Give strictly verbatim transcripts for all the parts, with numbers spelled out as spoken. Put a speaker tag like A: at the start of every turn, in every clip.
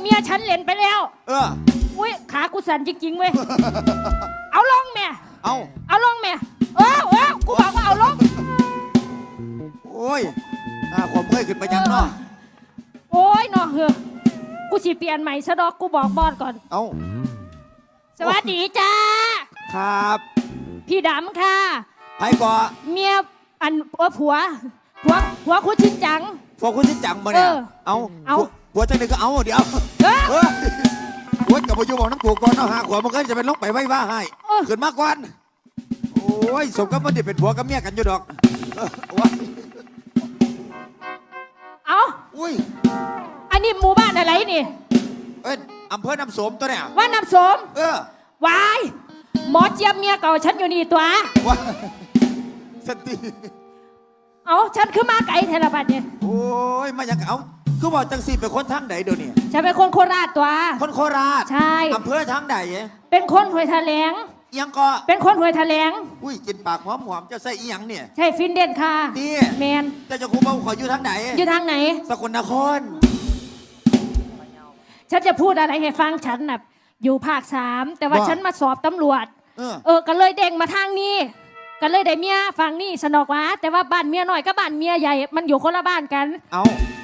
A: มียฉันเล่นไปแล้ว
B: เออ
A: อุ้ยขากูสั่นจริงๆเว้ยเอาลงแม่
B: เอา
A: เอาลงแม่เออเออกูบอกว่าเอาลง
B: โอ้ยอ่าผมเคยขึ้นไปยังเนาะ
A: โอ้ยเนาะเฮ้อกูสิเปลี่ยนใหม่ซะดอกกูบอกบอสก่อน
B: เอา
A: สวัสดีจ้า
B: ครับ
A: พี่ดำค่ะ
B: ไผก่อ
A: เมียอันเออผัวผัวผัวคุณชินจัง
B: ผัวคุณชินจังมาเนี่ยเอาเอาผัวจังเลยก็เอาเดี๋ยวเออผัวกับผัวอยู่บอกน้ำผัวก่อนเอาหาขวามันก็จะเป็นลงไปไว้ว่าให้ขึ้นมากกว่าโอ้ยสมกับมันจะเป็นผัวกับเมียกันอยู่ดอก
A: เอา
B: อุ้ย
A: อันนี้หมู่บ้านอะไรนี่
B: เอ้ยอำเภอน้ำสมตัวเนี่ย
A: ว่าน้ำสม
B: เออ
A: วายหมอเจี๊ยบเมียเก่าฉันอยู่นี่ตัว
B: ว้าสติ
A: เอาฉันขึ้นมาไกลเทเลบัตเนี่ย
B: โอ้ยมาอย่างเอาคือว่าจังสีเป็นคนทางไหนเดี๋ยวนี้
A: ฉันเป็นคนโคราชตัว
B: คนโคราช
A: ใช่
B: อำเภอทางไหน
A: เป็นคนห้วยแถลง
B: ยังก็
A: เป็นคนห้วยแถลง
B: อุ้ยกินปากหอมหอมจะใส่อีหยังเนี่ย
A: ใช่ฟินเด่นค่ะ
B: นี่
A: แมน
B: แต่จะคูเบาขออยู่ทางไหน
A: อยู่ทางไหน
B: สกลนคร
A: ฉันจะพูดอะไรให้ฟังฉันน่ะอยู่ภาคสามแต่ว่าฉันมาสอบตำรวจ
B: เออ
A: เออก็เลยเด้งมาทางนี้ก็เลยได้เมียฝั่งนี้สนอกวะแต่ว่าบ้านเมียน้อยกับบ้านเมียใหญ่มันอยู่คนละบ้านกัน
B: เอา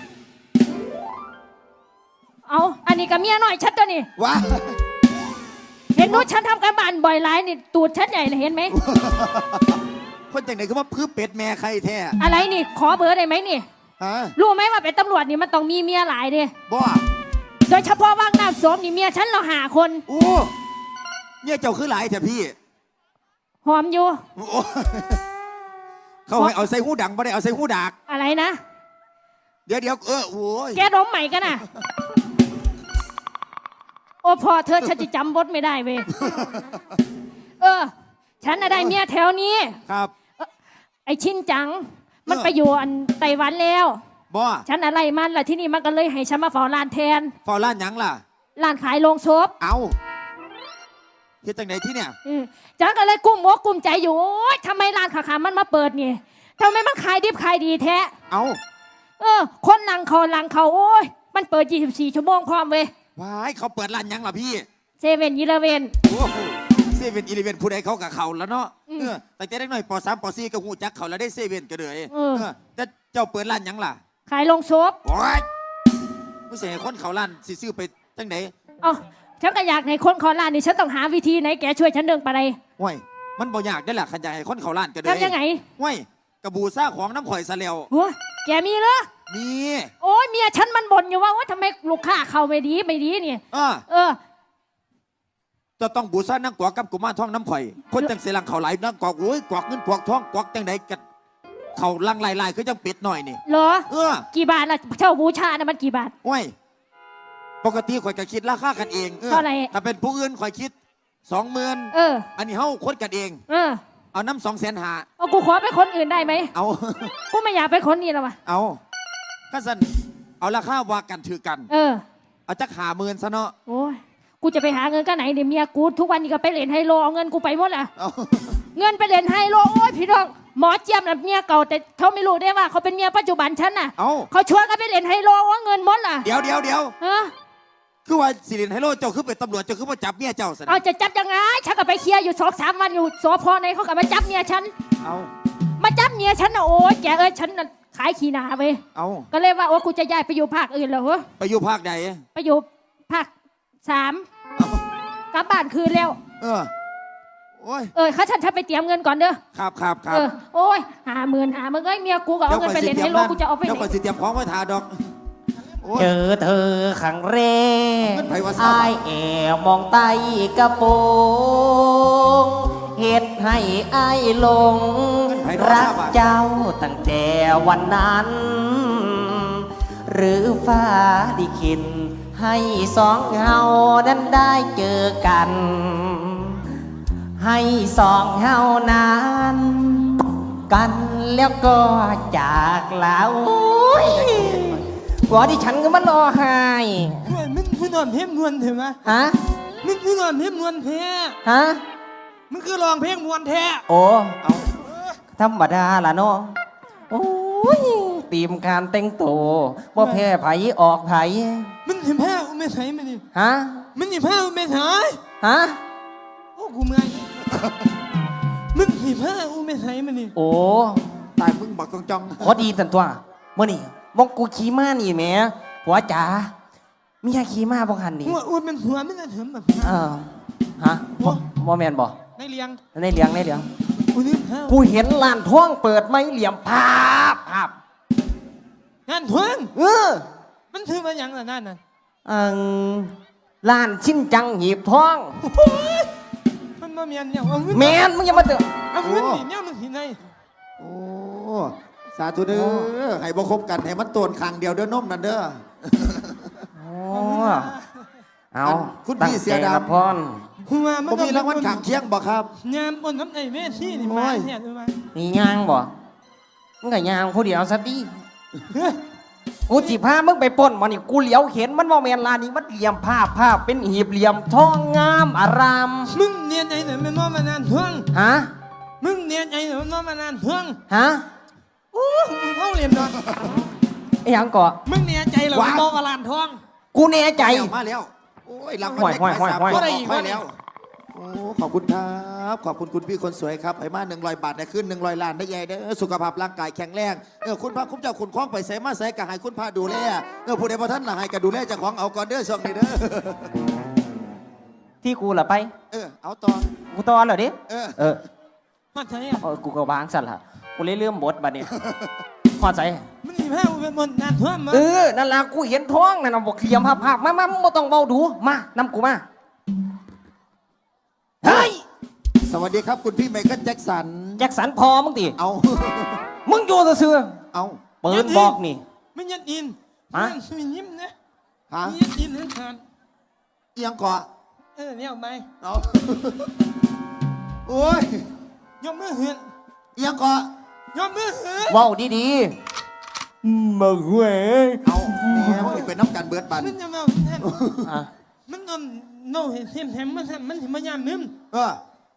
A: เอาอันนี้กับเมียน้อยชัดตัวนี่
B: ว้า
A: เห็นนู้นฉันทำการบ้านบ่อยหลายนี่ตูดชัดใหญ่เลยเห็นไหม
B: คนจากไหนก็ว่าพื้นเป็ดแม่ใครแท้
A: อะไรนี่ขอเบอร์ได้ไหมนี่รู้ไหมว่าเป็นตำรวจนี่มันต้องมีเมียหลายเด้
B: บ่
A: โดยเฉพาะว่างน้ำสมนี่เมียฉันเราหาคน
B: โอ้เนี่ยเจ้าคือหลายแท้พี่
A: หอมอยู่
B: เขาให้เอาใส่หูดังไม่ได้เอาใส่หูดัก
A: อะไรนะ
B: เดี๋ยวเดี๋ยวเออโอ้ย
A: แกร้องใหม่กันน่ะโอ้พอเธอฉันจะจำบทไม่ได้เว้ยเออฉันน่ะได้เมียแถวนี้
B: ครับ
A: ไอชินจังมันไปอยู่อันไต้หวันแล้ว
B: บ่
A: ฉันอะไรมันล่ะที่นี่มันก็เลยให้ฉันมาเฝ้าร้านแทน
B: เฝ้าร้านยังล่ะ
A: ร้านขายโลงศพ
B: เอาเฮ็ดจังไหนที่เนี่ย
A: ฉันก็เลยกุ้มอกกุ้มใจอยู่โอ๊ยทำไมร้านขาขามันมาเปิดนี่ทำไมมันขายดิบขายดีแท้
B: เอา
A: เออคนนั่งเขาหลังเขาโอ้ยมันเปิดยี่สิบสี่ชั่วโมงพร้อมเว้ย
B: ว้ายเขาเปิดร้านยังล่ะพี่
A: เซเว่นอีเลเว่น
B: โอ้โหเซเว่นอีเลเว่นผู้ใดเขากับเขาแล้วเนาะเออแต่แต่ได้หน่อยปอสามปอสี่ก็หูจักเขาแล้วได้เซเว่นก็เลยเออแต่เจ้าเปิดร้านยังล่ะ
A: ขายโลงศพ
B: โอ้ยผู้เสียคนเขาร้านสิซื้อไปจังไหน
A: อ๋อฉันก็อยากในคนขอร้านนี่ฉันต้องหาวิธีไหนแกช่วยฉันเดินไปเลย
B: ว้ยมันบ่อยากได้แหละขันใหญ่คนเขาล้านกันเลย
A: ทำยังไง
B: ว้ยกระบูซ่าของน้ำข่อยซะแล้ว
A: โอ้แกมีเหรอ
B: มี
A: โอ้ยเมียฉันมันบ่นอยู่ว่าว่าทำไมลูกค้าเขาไม่ดีไม่ดีนี่
B: เออเออจะต้องบูซ่านั่งกวักกับกุมารทองน้ำข่อยคนจังเสียงเขาไหลนั่งกวักโอ้ยกวักเงินกวักทองกวักจังไหนกันเขาลังลายลายคือจังปิดหน่อยนี่
A: เหรอ
B: เออ
A: กี่บาทล่ะเช่าบูชาเนี่ยมันกี่บาท
B: ว้ยปกติข่อยก็คิดราคากันเอง
A: เท่าไหร่
B: ถ้าเป็นผู้อื่นข่อยคิดสองหมื่น
A: เออ
B: อันนี้เฮาคนกันเอง
A: เออ
B: เอาน้ำสองแสนหา
A: เอากูขอไปคนอื่นได้ไหม
B: เอา
A: กูไม่อยากไปคนนี้แล้ววะ
B: เอาก็สันเอาราคาว่ากันถือกัน
A: เออ
B: เอาจักหาหมื่นซะเนาะ
A: โอ้ยกูจะไปหาเงินกันไหนเดี๋ยวเมียกูทุกวันนี้ก็ไปเล่นไฮโลเอาเงินกูไปหมดละเงินไปเล่นไฮโลโอ้ยพี่น้องหมอเจี๊ยบน่ะเมียเก่าแต่เขาไม่รู้ได้ว่าเขาเป็นเมียปัจจุบันฉันน่ะเขาชวนกันไปเล่นไฮโลว่าเงินหมดล่ะ
B: เดี๋ยวเดี๋ยวเดี๋ยว
A: ฮะ
B: คือว่าสิรินไฮโลเจ้าคือเป็นตำรวจเจ้าคือมาจับเมียเจ้าสิ
A: เอาจะจับยังไงฉันก็ไปเคลียร์อยู่สองสามวันอยู่สพในเขาก็มาจับเมียฉัน
B: เอา
A: มาจับเมียฉันนะโอ้ยแกเอ้ยฉันขายขี้หนาไป
B: เอา
A: ก็เลยว่าโอ้กูจะย้ายไปอยู่ภาคอื่นแล้วเหรอ
B: ไปอยู่ภาคใด
A: ไปอยู่ภาคสามกลับบ้านคืนแล้ว
B: เออโอ้ย
A: เออข้าฉันฉันไปเตรียมเงินก่อนเด้อ
B: ครับครับครับ
A: เออโอ้ยหาหมื่นหาเมื่อไงเมียกูก็เอาเงินไปเล่นให้โลกูจะเอาไปไหน
B: เดี๋ยวก่อนสิเตรียมของไว้ทาดอก
C: เจอเธอครั้งแรกอายแอบมองใต้กระโปรงเหตุให้อายหลงรักเจ้าตั้งแต่วันนั้นหรือฟ้าดิขินให้สองเฮานั้นได้เจอกันให้สองเฮานั้นกันแล้วก็จากลาหัวดิฉันก็มันรอหาย
D: มึงคือนอนเพลงนวลเถอะมะ
C: ฮะ
D: มึงคือนอนเพลงนวลแท้
C: ฮะ
D: มึงคือร้องเพลงนวลแท้
C: โอ้เอาธรรมดาล่ะเนาะโอ้ยตีมการแต่งตัวว่าแพ้ไผออกไผ
D: มึงเห็นแพ้แไม่ใช่มันนี่
C: ฮะ
D: มันนี่ผ้าอูไม่ใช่
C: ฮะ
D: โอ้กูเมื่อยมึงนี่ผ้าอูไม่ใช่มันนี่
C: โอ้
B: ตายมึงบักจองจอง
C: พอดีสันตัวเมื่อนี่มองกูขี่ม้านี่แหม่ผัวจ๋ามียาขี่ม้าบ่คันนี่
D: หัวอูเป็นหัวไม่ได้เถิมแบบ
C: เออฮะบ่บ่แม่นบ่
D: ในเลี้ยง
C: ในเหลียงในเหลียง
D: กูนี่ผ้า
C: กูเห็นลานท้องเปิดไม่เหลี่ยมภาพภาพ
D: งานทวง
C: เออ
D: มันถือมาอย่างละนั่นน่ะ
C: อังลานชิ้นจังหีบท้อง
D: มันมาเมียนเนี่ยเอาเงิน
C: แมนมึงอย่ามาเถอะ
D: เอาเงินนี่เนี่ยมันสิไหน
B: โอ้สาธุเด้อให้บ่คบกันให้มันโตนคางเดียวเด้อนมนั่นเด้อ
C: โอ้เอา
B: คุณพี่เสียดำ
C: ตั้งใจรับพร
D: หัวมัน
B: ผมมีรางวัลขางเคียงบ่ครับ
D: ยามบนน้ำในเวทีนี่มาเนี่ยดูมา
C: นี่ยางบ่มึงก็ยางผู้เดียวซะดิกูจีพามึงไปปล้นมันนี่กูเหลียวเห็นมันว่าแมนลานนี้มันเหลี่ยมภาพภาพเป็นหีบเหลี่ยมทองงามอาราม
D: มึงเนียนไอ้เนี่ยมันนอนมานานทวง
C: ฮะ
D: มึงเนียนไอ้เนี่ยมันนอนมานานทวง
C: ฮะ
D: โอ้มึงเข้าเรียนนอน
C: ไอ้หยังก่อ
D: มึงเนียนใจเหรอมันนอนมาลานทวง
C: กูแน่ใจ
B: มาแล้วโอ้ยรางวัล
C: ห่วย
B: เลขท้าย
C: ห่วย
B: สาม
C: ห่วย
B: ตัว
D: ห่วย
B: ออกไปแล้วโอ้ขอบคุณครับขอบคุณคุณพี่คนสวยครับให้มาหนึ่งร้อยบาทได้ขึ้นหนึ่งร้อยล้านได้ใหญ่เด้อสุขภาพร่างกายแข็งแรงเออคุณพระคุ้มเจ้าคุณคล้องไปใส่มาใส่กะให้คุณพระดูแลเออผู้ใดพอท่านละให้กะดูแลเจ้าของเอาก่อนเด้อช่วงนี้เด้อ
C: ที่กูล่ะไป
B: เออเอาต่อ
C: กูตอนเหรอดิ
B: เออ
C: เออ
D: มาใช่อ่ะ
C: เออกูก็วางสั่นละกูเลยเลื่อมบทบัดนี้พอใจ
D: มึงนี่แพ้เป็นบนนานทวงมา
C: เออ นั่นล่ะกูเห็นท้องนั่นน่ะบอกเหลี่ยมภาพภาพมามามึงบ่ต้องเบาดู มานำกูมา เฮ้ย
B: สวัสดีครับคุณพี่ไมเคิลแจ็คสัน
C: แจ็คสันพอมึงติ
B: เอา
C: มึงอยู่ซื่อ
B: เอา
C: ๆปืนบอกนี่
D: มึงยัดอิน
C: ฮะ
D: มึงยิ้มนะ
B: ฮะ
D: มึงยัดอินนั่นทาน
B: เอียงก่อน
D: เออเนี่ยเอาไป
B: เอาโอ้ย
D: ยกมือเหือน
B: เอียงก่อน
D: ยกมือเหือน
C: เว้าดีๆมาเว้ย
B: เอาแหมมันเป็นน้ำกันเบิดบัน
D: มึงจะมาแทน
C: อ่ะ
D: มันนอนโน่เห็นเห็นแถมมันมันถึงมายามมึง
B: เออ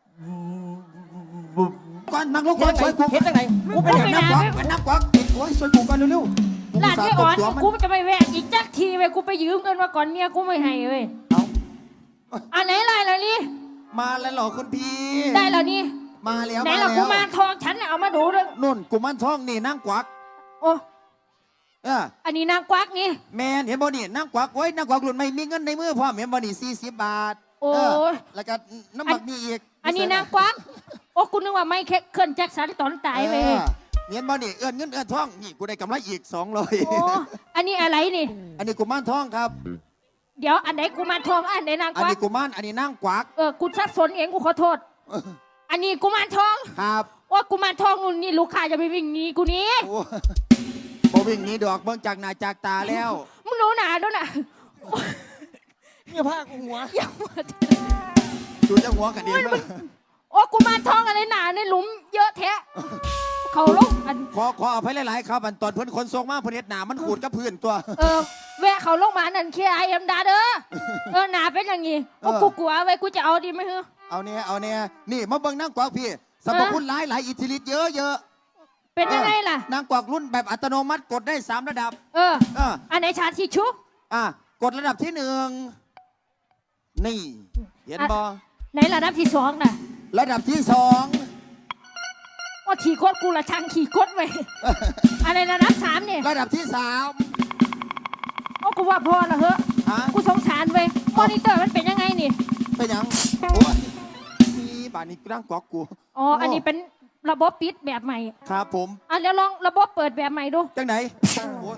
B: ก่อนนั่งลงก่อน
C: เฮ็ด
B: ช่วยกู
C: เฮ็ดจังไหนกูเป็น
B: เป็
C: ห
B: น
C: ยัง
B: นักกวักเป็นนักกวักโอ้ยช่วยกูก่อนเร็วๆกู
A: หลาน
B: สา
A: ไม่
B: ต
A: อ่
B: บ
A: อน
B: ตัวมัน
A: กูจะไปแวะอีกจักทีเว้ยกูไปยืมเงินมาก่อนเมียกูไม่ให้เว้ย
B: เอา
A: อันไหนไรล่ะนี่
B: มาแล้วเหรอคุณพี่
A: ได้แล้วนี่
B: มาแล้ว
A: ไหน
B: มา
A: ล่ะ
B: แล้
A: กู
B: ว
A: มารทองฉันน่ะเอามาดูด้วย
B: นุ่นกูมันท้องนี่นั่งกวัก
A: โอ้
B: เออ
A: อันนี้นางกวักนี่
B: แมนเห็นบ่นี่นั่งกวักโอ้ยนั่งกวักหลุดไม่มีเงินในมือพ่อมเห็นบ่นี่สี่สิบบาท
A: โอ้
B: เอแล้วก็น้ำหมักมีอีก
A: อันนี้นางกวักโอ้กูนึกว่าไม่เคเคลื่อนแจ็คสันตอนตายเว้ย
B: เออเห็นบ่นี่เอื้อนเงินเอื้อนท้องนี่กูได้กำไรอีกสองร้อย
A: โอ้อันนี้อะไรนี่
B: อันนี้กูมันท้องครับ
A: เดี๋ยวอันไหนกูมารทองอันไหนนาง
B: อัน
A: กวัก
B: นี้กูมันอันนี้นั่งกวัก
A: เออกูสับสนเองกูขอโทษ อันนี้กูมารทอง
B: ครับ
A: ว่ากูมารทองนู่นนี่ลูกค้าจะไปวิ่งหนีกูหนี้
B: โอ้บ่วิ่งหนี้ดอกเบิ่งจากหน้าจากตาแล้ว
A: มึงรู้หนาดูหนา
D: เนี่ยผ้ากูหัว
A: อย่ามา
B: ดูจะหัวกันเองมั้ย
A: โอ้กูมารทองอะไรหนาในหลุมเยอะแท้เขาลงอัน
B: ขอขออภัยหลายๆครับอันตอนเพิ่นคนทรงมาเพิ่นเฮ็ดหน้ามันขูดกับพื้นตัว
A: เออแวะเขาลงมานั่นเคไอเอ็มดาเด้อเออหนาเป็นอย่างงี้โอ้
B: เออ
A: กูกลัวไว้กูจะเอาดีไหมเฮ้อ
B: เอาเนี่ยเอาเนี่ยนี่มาเบิ่งนั่งกวักพี่สรรพคุณหลายหลายอิทธิฤทธิ์เยอะเยอะ
A: เป็นยังไงล่ะ
B: นั่งกวักรุ่นแบบอัตโนมัติกดได้สามระดับ
A: เออ
B: เออ
A: อันไหนชาทิชชู
B: อ่ะกดระดับที่หนึ่งนี่เห็นบ่
A: ไหนระดับที่สองน่ะ
B: ระดับที่สอง
A: ว่าขี่โคตรกูละช่างขี่โคตรไว้อะไรระดับสามเนี่ย
B: ระดับที่สาม
A: โอ้กูว่าพอละเฮ้อ
B: ฮะ
A: กูสงสารเว้ยมอนิเตอร์มันเป็นยังไงนี่
B: เป็นหยังโอ้ยนี่บ้านนี้นั่งกวักกู
A: อ๋ออันนี้เป็นระบบปิดแบบใหม่
B: ครับผม
A: อ่ะเดี๋ยวลองระบบเปิดแบบใหม่ดู
B: จังไหนโอ้ย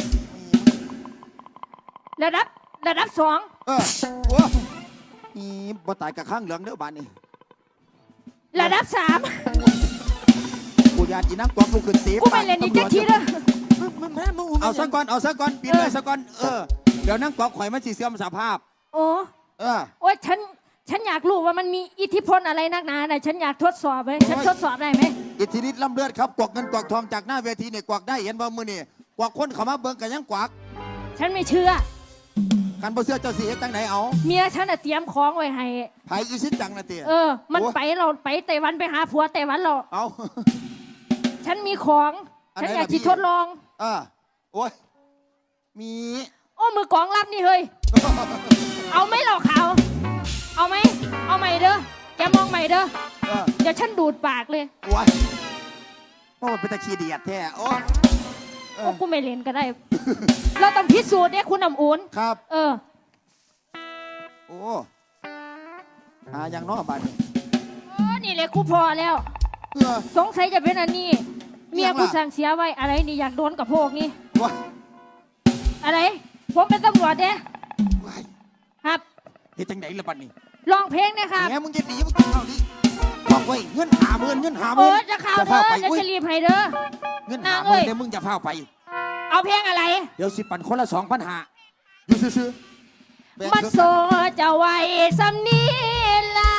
A: ระดับระดับสอง
B: เออโอ้ยนี่บ่ตายกับข้างเหลืองเด้อบ้านนี้
A: ระดับสาม
B: กูยานอีนั่งกวักลูกขึ้นสี
A: กูไปเล่นอีกจักทีเด้อ
D: มึงมึงแพ้มึง
B: เอาสักก่อนเอาสักก่อนปิดเลยสักก่อนเออเดี๋ยวนั่งกวักข่อยมันสิเสื่อมสภาพ
A: โอ้
B: เออ
A: โอ้ยฉันฉันอยากรู้ว่ามันมีอิทธิพลอะไรนักหนาน่ะฉันอยากทดสอบเลยฉัน
B: โอ้ย
A: ทดสอบได้ไหม
B: อิทธิฤทธิ์ล้ำเลือดครับกวักเงินกวักทองจากหน้าเวทีเนี่ยกวักได้เห็นบ่มือนี่กวักคนเขามาเบิ่งกันยังกวัก
A: ฉันไม่เชื่อ
B: คันบ่เสื้อเจ้าสีเฮ็ดจังไหนเอา
A: เมียฉันน่ะเตรียมของไว้ให้
B: ไผอีสิจังนะเตี้ย
A: เออ มัน
B: โอ้ย
A: ไปเราไปไต้หวันไปหาผัวไต้หวันเรา
B: เอา
A: ฉันมีของ
B: อันไหน
A: ฉันอยาก
B: ล่ะพี่
A: ที่ทดลอง
B: อ่าโอ้ยมี
A: โอ้มือกองรับนี่เฮ้ย
B: เ
A: เอาไหมเหล่าขาวเอาไหมเอาใหม่เด้อแกมองใหม่เด้อ
B: เออ
A: เดี๋ยวฉันดูดปากเลย
B: ว้ายเพราะมันเป็นตะขี้เดียดแท้โอ้เอ
A: โอ้
B: อ
A: กูไม่เล่นก็ได้ เราต้องพิสูจน์เนี่ยคุณน้ำอุ่น
B: ครับ
A: เออ
B: โอ้หาอย่างน้อยบาดนี้
A: เออนี่เลยกูพอแล้ว
B: เออ
A: สงสัยจะเป็นอันนี้ เมีย
B: ยังล่ะ
A: กูสั่งเสียไว้อะไรนี่อยากโดนกับพวกนี้
B: ว้าย
A: อะไร ผมเป็นตำรวจเด้
B: ว้าย
A: ครับ
B: เฮ็ดจังไดล่ะบัดนี้
A: ลองเพลงนะครับ
B: แหมมึงจะหนีมึงต้องเข้าดิบอกไว้เงินหาหมื่นเงินหาห
A: เอ
B: มื่น
A: อจะข่าวเธ
B: พา
A: อ
B: ไป
A: จะ
B: อุ้ย
A: จะรีบให้เด้อ
B: เงิน
A: นา
B: หาง ห
A: เอ้
B: มื่น
A: ย
B: เนี่ยมึงจะพาไป
A: เอาเพลงอะไร
B: เดี๋ยวสิปันคนละสองพันหาอยู่ซื่อๆแบ่ง
A: มัน
B: ครึ่ง
A: โซจะไว้สำนีลา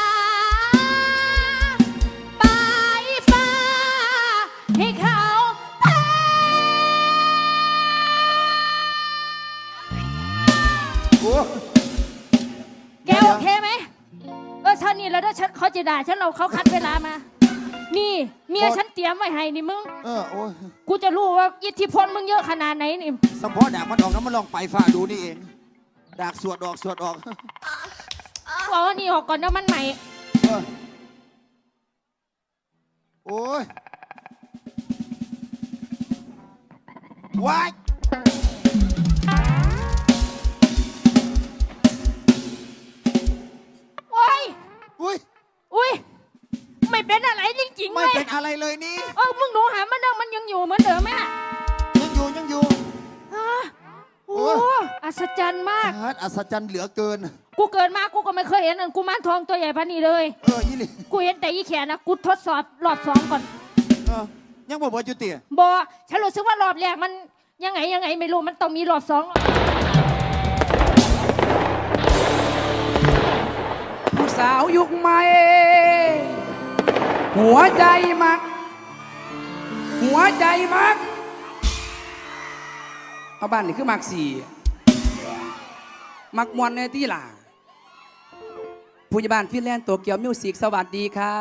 A: ปลายฟ้า ให้เขาแพ้
B: โอ้
A: แกโอเคไหมเออฉันนี่แล้วถ้าฉันเขาจะด่าฉันเราเขาคัดเวลามา นี่เมียฉันเตรียมไว้ให้นี่มึง
B: เออโอ้ย
A: กูจะรู้ว่าอิทธิพลมึงเยอะขนาดไหนนี่
B: สมพอดากมันออกน้ำมันลองไปฝ่าดูนี่เองดากสวดออกสวดออก
A: บอกว่านี่ออกก่อนนะมันใหม่
B: เออโอ้ยว้าย
A: โอ้ย
B: อุ้ย
A: อุ้ยไม่เป็นอะไรจริงๆ
B: ไม่
A: เลย
B: เป็นอะไรเลยนี่
A: เออมึงหนูหามันเดิมมันยังอยู่เหมือนเดิมไหมน่ะ
B: ยังอยู่ยังอยู่
A: ฮะโอ้
B: โอ้ย
A: อัศจรรย์มาก
B: ฮาร์ดอัศจรรย์เหลือเกิน
A: กูเกิดมากูก็ไม่เคยเห็นอันกูมานทองตัวใหญ่พันนี้เลย
B: เออยี่หลิ
A: กูเห็นแต่อีแขนนะกูทดสอบรอบสองก่อน
B: เออยังบอกว่าจุติ
A: บอฉันรู้สึกว่ารอบแรกมันยังไงยังไงไม่รู้มันต้องมีรอบสอง
E: ผู้สาวยุคใหม่ หัวใจมัก หัวใจมัก เอาบ้านนี่คือมักสี่ มักมวนในที่ล่ะผู้ใหญ่บ้านฟินแลนด์โตเกียวมิวสิกสวัสดีครับ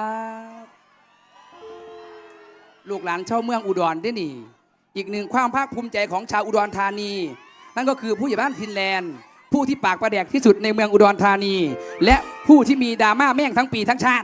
E: ลูกหลานชาวเมืองอุดรได้นี่ อีกหนึ่งความภาคภูมิใจของชาวอุดรธานี นั่นก็คือผู้ใหญ่บ้านฟินแลนด์ ผู้ที่ปากประแดกที่สุดในเมืองอุดรธานี และผู้ที่มีดราม่าแม่งทั้งปีทั้งชาติ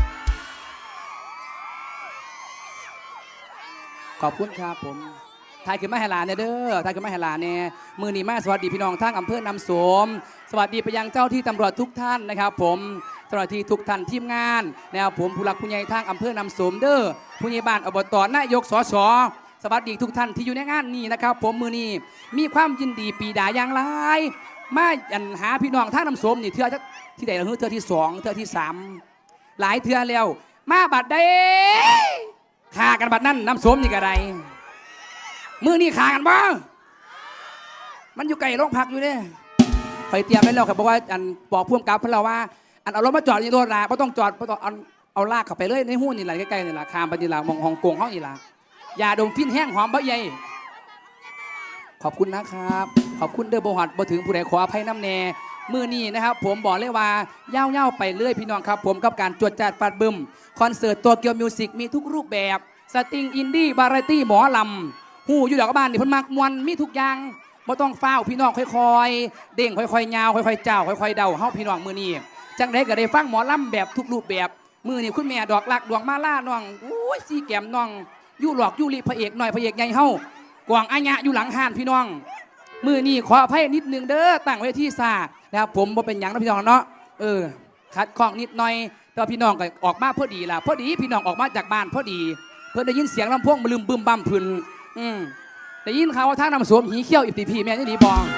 E: ขอบคุณครับผมทายขึ้นมาให้หลานเนี่ยเด้อทายขึ้นมาให้หลานเนี่ยมือนีมาสวัสดีพี่น้องทั้งอำเภอนำสม สวัสดีไปยังเจ้าที่ตำรวจทุกท่านนะครับ ผมเจ้าหน้าที่ทุกท่านทีมงานนะครับผมผู้หลักผู้ใหญ่ทางอำเภอนำสมเด้อผู้ใหญ่บ้านอบตนายกสสสวัสดีทุกท่านที่อยู่ในงานนี้นะครับ ผมมือนี้มีความยินดีปีดาอย่างไรมาอันหาพี่น้องทางนำสมนี่เทือที่ใดเราเทือที่สองเทือที่สามหลายเทือแล้วมาบัดใดฆ่ากันบัดนั้นนำสมนี่กระไรมือนี่ฆ่ากันบ้างมันอยู่ไกลโรงพักอยู่เนี่ยคอยเตรียมไว้แล้วครับบอกว่าอันบอกพ่วงกับพวกเราว่าอันเอารถมาจอดในรถละไม่ต้องจอดไม่ต้องเอาเอาลากเข้าไปเลยในหุ้นนี่แหละใกล้ๆนี่แหละคามไปนี่แหละมองฮ่องกงเขานี่แหละยาดมฟินแห้งหอมบะใหญ่ขอบคุณนะครับขอบคุณเด้อบ่หอดบ่ถึงผู้ใดขออภัยน้ำแน่มือนี้นะครับผมบอกเลยว่าเย่าเย่าไปเรื่อยพี่น้องครับผมกับการจวดจัดปัดบึมคอนเสิร์ตตัวเกียวมิวสิกมีทุกรูปแบบสตริงอินดี้บาราตี้หมอลำหูอยู่ดอกบ้านนี่เพิ่นมักมวนมีทุกอย่างบ่ต้องเฝ้าพี่น้องค่อยๆเด้งค่อยๆยาวค่อยๆเจ้าค่อยๆเดาเฮาพี่น้องมือนี้จังไดก็ได้ฟังหมอลำแบบทุกรูปแบบมือนี้คุณแม่ดอกลักดวงมาล่าน้องอุ้ยสีแก้มน้องยู่หลอกยู่ลีพระเอกหน่อยพระเอกใหญ่เฮากวางอาญะอยู่หลังห้านพี่น้องมือนี้ขออภัยนิดนึงเด้อตั้งไว้ที่ซานะครับผมบ่เป็นหยังนะพี่น้องเนาะเออคัดข้องนิดหน่อยแต่พี่น้องก็ออกมาพอดีล่ะพอดีพี่น้องออกมาจากบ้านพอดีเพิ่นได้ยินเสียงลำโพงมาลืมบึมบั่มพื้นอืมได้ยินข่าวว่าท่านนำสวมหีเขี้ยวอิบตีพีแม่นี่ดีบอง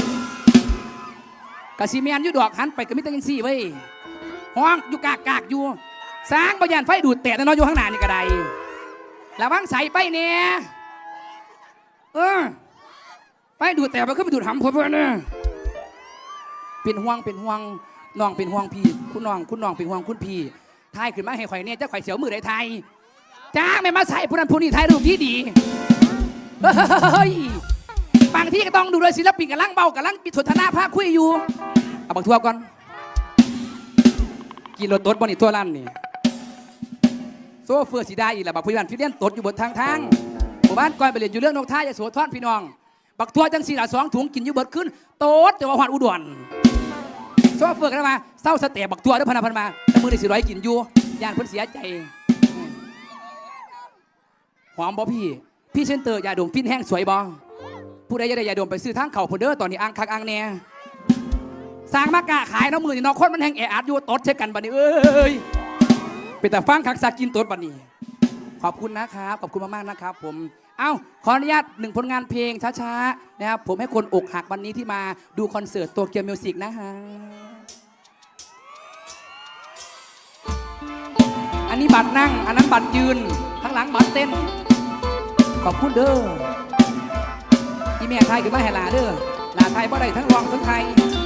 E: กะซีแมนอยู่ดอกหันไปกะมิตรยังซี่เว้ยห้องอยู่กากกากอยู่สร้างบรยานไฟดูดแตะน้อยอยู่ข้างหน้านี่ก็ได้ระวังใส่ไปเนี่ยเออไปดูดแตะไปขึ้นไปดูดหำผมเพื่อนเนี่ยเป็นห่วงเป็นห่วงน้องเป็นห่วงพี่คุณน้องคุณน้องเป็นห่วงคุณพี่ทายขึ้นมาให้ข่อยเนี่ยจะข่อยเสียวมือได้ไทยจ้าไม่มาใส่ผู้นั้นผู้นี้ไทยรูปที่ดีเฮ้ยบางที่ก็ต้องดูเลยศิลปินกับลังเบากับลังปิดสนทนาภาคคุยอยู่เอาบังทัวก่อนกินรถตดบนอีกทั่วลั่นนี่โซเฟอร์สีได้อีกแล้วบักผู้ใหญ่บ้านฟิเลียนตดอยู่บนทางทางหมู่บ้านก้อยไปเรียนอยู่เรื่องนกท่ายาโสธรพี่น้องบักทัวจังสี่ละสองถุงกินอยู่เบิดขึ้นโต๊ดแต่ว่าหวานอุดรโซเฟอร์กันมาเศร้าสเตะบักทัวด้วยพนันพันมาแต่มือในสี่ร้อยกินอยู่ย่านเพิ่นเสียใจหอมบ่พี่พี่เซนเตอร์ยาดมฟินแห้งสวยบ่ผู้ใดจะได้ยาดมไปซื้อทางเข่าพนเดอร์ตอนนี้อ่างคักอ่างแน่สร้างมากะขายน้ำมือนี่น้องคนมันแห้งแออัดอยู่ตดเช็คกันบัดนี้เอ้ยเป็นแต่ฟังคักซากินตดบัดนี้ขอบคุณนะครับขอบคุณมากๆนะครับผมเอ้าขออนุญาตหนึ่งผลงานเพลงช้าๆนะครับผมให้คนอกหักวันนี้ที่มาดูคอนเสิร์ตโตเกียวมิวสิกนะฮะอันนี้บัตรนั่งอันนั้นบัตรยืนข้างหลังบัตรเต้นขอบคุณเด้อที่แม่ไทยคือมาให้ลาเด้อลาไทยบ่ได้ทั้งรองทั้งไทย